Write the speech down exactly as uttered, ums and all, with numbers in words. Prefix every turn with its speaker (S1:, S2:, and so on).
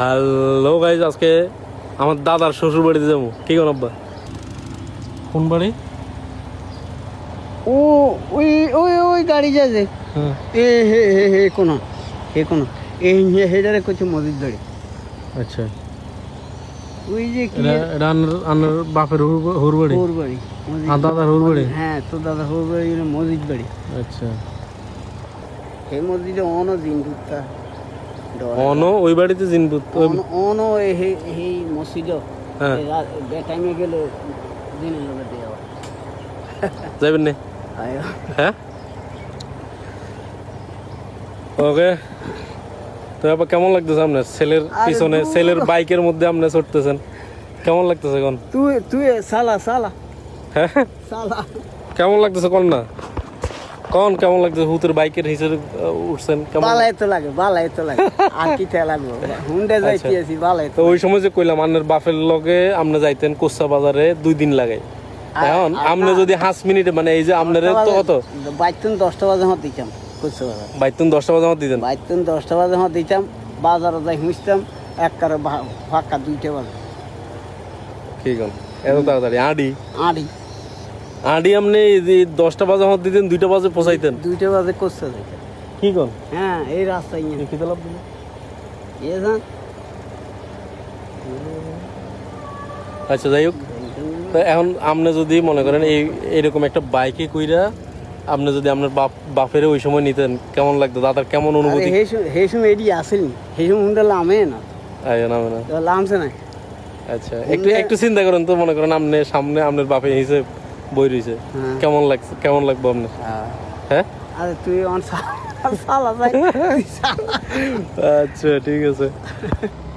S1: Hello guys, আজকে আমার দাদার শ্বশুর বাড়িতে যাবো। কি কোন আব্বা? কোন বাড়ি?
S2: ও ওই ওই ওই গাড়ি যাচ্ছে
S1: হ্যাঁ
S2: এ হে হে হে কোনো হে কোনো এই হেডারে কিছু মসজিদ বাড়ি।
S1: আচ্ছা,
S2: ওই যে কি
S1: এটা এটা আন্নার- আন্নার বাপের হুর- হুর বাড়ি,
S2: হোর বাড়ি মসজিদ
S1: আর দাদার হুর বাড়ি।
S2: হ্যাঁ তো দাদা হোর বাড়ি হলো মসজিদ বাড়ি।
S1: আচ্ছা,
S2: সেই মসজিদে অন দিন ঢুকতা
S1: অন ওই বাড়িতে জিনপুত
S2: অন এই মসজিদ
S1: হ্যাঁ
S2: বে টাইমে গেলে দিনের লোকে দেওয়া
S1: যাবেন না?
S2: আয়
S1: হ্যাঁ ওকে। তো আবার কেমন লাগতেছে আপনার ছেলের
S2: আরে
S1: পিছনে,
S2: দূর।
S1: ছেলের বাইকের মধ্যে আপনি চড়তেছেন, কেমন লাগতেছে কোন?
S2: তুই তুই সালা সালা
S1: হ্যাঁ
S2: সালা
S1: কেমন লাগতেছে কোন না কোন কেমন লাগতেছে? হুতের বাইকের হিসেবে উঠছেন কেমন?
S2: বালাই তো লাগে বালাই তো লাগে আর কি তে লাগবো হুন্ডে যাইতে আছি বালাই
S1: তো ওই সময় যে কইলাম আপনার বাপের লগে আপনি যাইতেন কোচ্চা বাজারে দুই দিন লাগে, এখন আপনি যদি পাঁচ মিনিটে মানে এই যে আপনার তো কত
S2: বাইতুন দশটা বাজে হত দিতাম কুচে বাজার
S1: বাইতুন দশটা বাজে আমার দিতেন?
S2: বাইতুন দশটা বাজে হত দিতাম বাজারে যাই হুঁচতাম এক কারে ফাঁকা দুইটা বাজে
S1: কি কোন এত তাড়াতাড়ি? আডি
S2: আড়ি
S1: আডি আপনি এই যে দশটা বাজে আমার দিতেন, দুইটা বাজে পৌঁছাইতেন?
S2: দুইটা বাজে কুচে যাইতাম।
S1: কি কোন
S2: হ্যাঁ এই রাস্তায় নিয়ে
S1: কি লাভ দিল?
S2: এ যান
S1: আচ্ছা যাই হোক, তো এখন আপনি যদি মনে করেন এই এরকম একটা বাইকে কইরা আপনি যদি আপনার বাপ বাপের ওই সময় নিতেন কেমন লাগতো? দাদার কেমন অনুভূতি?
S2: হে সময় এডি আসেনি হে সময় হুন্ডে লামে না
S1: আয় না না
S2: তো লামছে না।
S1: আচ্ছা, একটু একটু চিন্তা করেন তো, মনে করেন আপনি সামনে আপনার বাপে হিসেবে বই রয়েছে,
S2: হ্যাঁ।
S1: কেমন লাগছে? কেমন লাগবে আপনার?
S2: হ্যাঁ।
S1: হ্যাঁ
S2: আরে তুই অন সালা যাই
S1: আচ্ছা ঠিক আছে।